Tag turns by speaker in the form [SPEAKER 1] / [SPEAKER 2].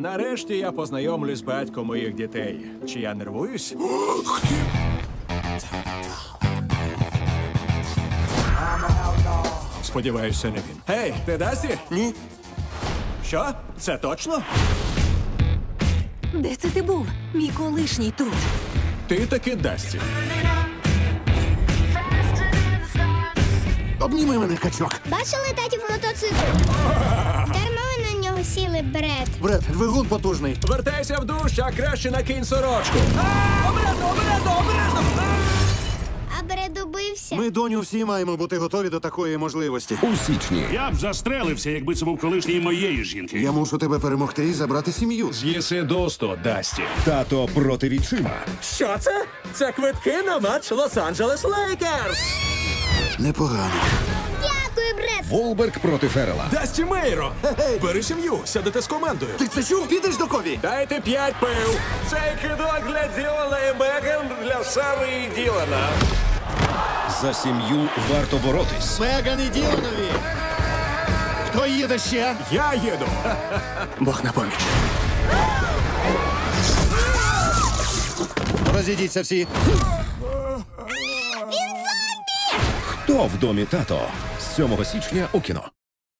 [SPEAKER 1] Нарешті я познайомлюсь з батьком моїх дітей. Чи я нервуюсь? Сподіваюся, не він. Гей, ти Дасті?
[SPEAKER 2] Ні.
[SPEAKER 1] Що? Це точно?
[SPEAKER 3] Де це ти був? Мій колишній тут.
[SPEAKER 1] Ти таки Дасті.
[SPEAKER 2] Обніми мене, качок.
[SPEAKER 4] Бачили татів мотоцикл? Дарма ви на нього сіли, Бред.
[SPEAKER 2] Бред, двигун потужний.
[SPEAKER 1] Вертайся в душ, а краще накинь сорочку.
[SPEAKER 4] А Бред убився.
[SPEAKER 2] Ми, доню, всі маємо бути готові до такої можливості.
[SPEAKER 5] У січні.
[SPEAKER 6] Я б застрелився, якби це був колишній моєї жінки.
[SPEAKER 2] Я мушу тебе перемогти і забрати сім'ю.
[SPEAKER 1] З'їси досто, Дасті.
[SPEAKER 5] Тато проти відчима.
[SPEAKER 1] Що це? Це квитки на матч Лос-Анджелес Лейкерс.
[SPEAKER 2] Непогано.
[SPEAKER 4] Дякую, Бред.
[SPEAKER 5] Волберг проти Феррела.
[SPEAKER 1] Дасті Мейро! Бери сім'ю, сядете з командою.
[SPEAKER 2] Ти це чув? Підеш до Кові?
[SPEAKER 1] Дайте 5 пив. Цей кидок для Ділана і Меган, для Сари і Ділана.
[SPEAKER 5] За сім'ю варто боротись.
[SPEAKER 2] Меган і Діланові. Хто їде ще?
[SPEAKER 1] Я їду. Бог на поміч.
[SPEAKER 2] Розійдіться всі.
[SPEAKER 5] Хто в домі тато? З 7 січня у кіно.